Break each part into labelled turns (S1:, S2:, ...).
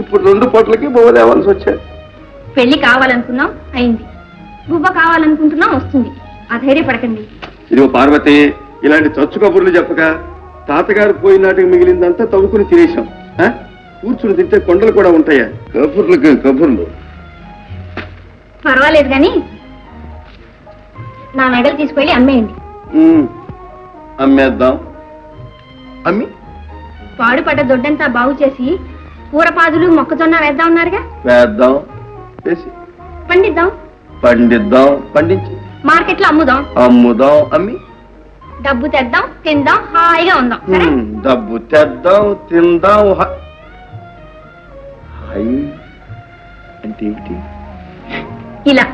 S1: ఇప్పుడు 2 పూటలకి బువ్వ తేవాల్సి వచ్చాయి.
S2: పెళ్లి కావాలనుకున్నాం అయింది, బువ్వ కావాలనుకుంటున్నాం వస్తుంది. అధైర్యపడకండి.
S1: ఇదిగో పార్వతి, ఇలాంటి చచ్చు కబుర్లు చెప్పక తాతగారు పోయిన నాటికి మిగిలిందంతా తవ్వుకుని తినేశాం. కూర్చుని తింటే కొండలు కూడా ఉంటాయా? కబుర్లకి కబుర్లు.
S2: పర్వాలేదు కానీ నా నగలు తీసుకెళ్ళి అమ్మేయండి.
S1: అమ్మేద్దాం. అమ్మి
S2: పాడుపడ్డ దొడ్డంతా బాగు చేసి కూరపాదులు మొక్కజొన్న వేద్దాం ఉన్నారుగా.
S1: వేద్దాం, వేసి
S2: పండిద్దాం.
S1: పండిద్దాం, పండించి
S2: మార్కెట్లో అమ్ముదాం.
S1: అమ్ముదాం, అమ్మి
S2: డబ్బు తెద్దాం, తిందాం, హాయిగా ఉందాం. సరే?
S1: డబ్బు తెద్దాం, తిందాం. హాయ్ అంటే ఏమిటి?
S2: ఇలా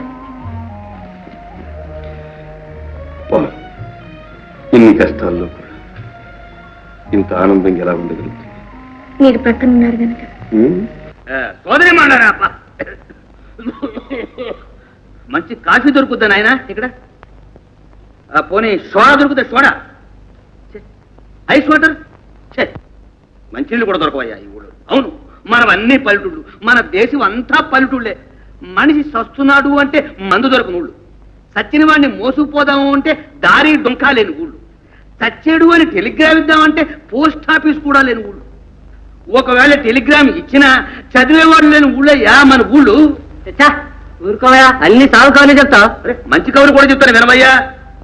S1: ఇన్ని కష్టాల్లో కూడా ఇంత ఆనందంగా ఎలా ఉండగలుగుతుంది?
S2: మీరు ప్రక్కన ఉన్నారు కనుక.
S3: సోదరి మాడారా మంచి కాఫీ దొరుకుద్దా నాయన ఇక్కడ? పోనీ సోడా దొరుకుతా? సోడా, ఐస్ వాటర్, మంచినీళ్ళు కూడా దొరకవయ్యా ఈ ఊళ్ళో. అవును, మనం అన్ని పల్లెటూళ్ళు, మన దేశం అంతా పల్లెటూళ్ళే. మనిషి సస్తున్నాడు అంటే మందు దొరకని ఊళ్ళు, సచ్చిన వాడిని మోసుకుపోదాము అంటే దారి డొంకా లేని ఊళ్ళు, చచ్చేడు అని టెలిగ్రామ్ ఇద్దామంటే పోస్ట్ ఆఫీస్ కూడా లేని ఊళ్ళు. ఒకవేళ టెలిగ్రామ్ ఇచ్చినా చదివేవాడు లేని ఊళ్ళయ్యా మన ఊళ్ళు. ఊరుకోవయా, అన్ని సాగు కవర్లు చెప్తా. మంచి కవులు కూడా చెప్తాను వినవయ్యా.